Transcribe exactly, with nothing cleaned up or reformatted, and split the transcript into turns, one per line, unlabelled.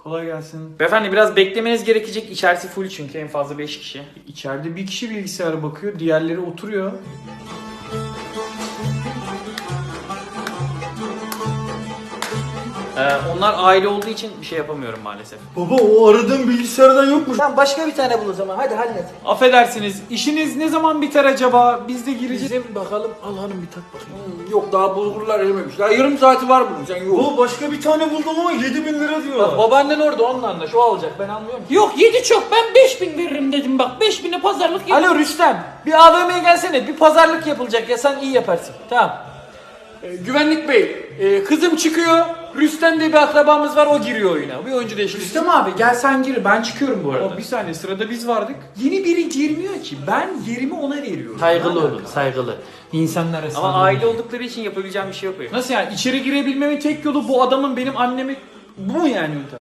Kolay gelsin.
Beyefendi biraz beklemeniz gerekecek. İçerisi full çünkü en fazla beş kişi.
İçeride bir kişi bilgisayara bakıyor, diğerleri oturuyor.
Ee, onlar aile olduğu için bir şey yapamıyorum maalesef.
Baba o aradığın bilgisayardan yokmuş.
Tamam başka bir tane bul o zaman. Hadi hallet.
Affedersiniz, işiniz ne zaman biter acaba? Biz de gireceğiz.
Bizim bakalım. Al hanım bir tat bakayım.
Yok daha bulgurlar erimemiş. Ya yarım saati var bunun sen yok.
Baba başka bir tane buldum ama yedi bin lira diyor.
Bak babaannen orada onunla anlaş. O alacak ben anlıyorum ki.
Yok yedi çok, ben beş bin veririm dedim bak, beş bine pazarlık yap.
Alo Rüstem. Bir A V M'ye gelsene. Bir pazarlık yapılacak ya sen iyi yaparsın. Tamam. Ee, güvenlik bey. e, kızım çıkıyor. Rüstem diye bir akrabamız var o giriyor oyuna. Bir oyuncu değişikliği.
Rüstem abi gel sen gir, ben çıkıyorum bu arada. Bir saniye, sırada biz vardık. Yeni biri girmiyor ki, ben yerimi ona veriyorum.
Saygılı
Ne
olun,
alaka?
saygılı.
İnsanlar arasında.
Ama aile oldukları için yapabileceğim bir şey yok. benim.
Nasıl yani? İçeri girebilmemin tek yolu bu adamın benim annemi... Bu mu yani yöntem?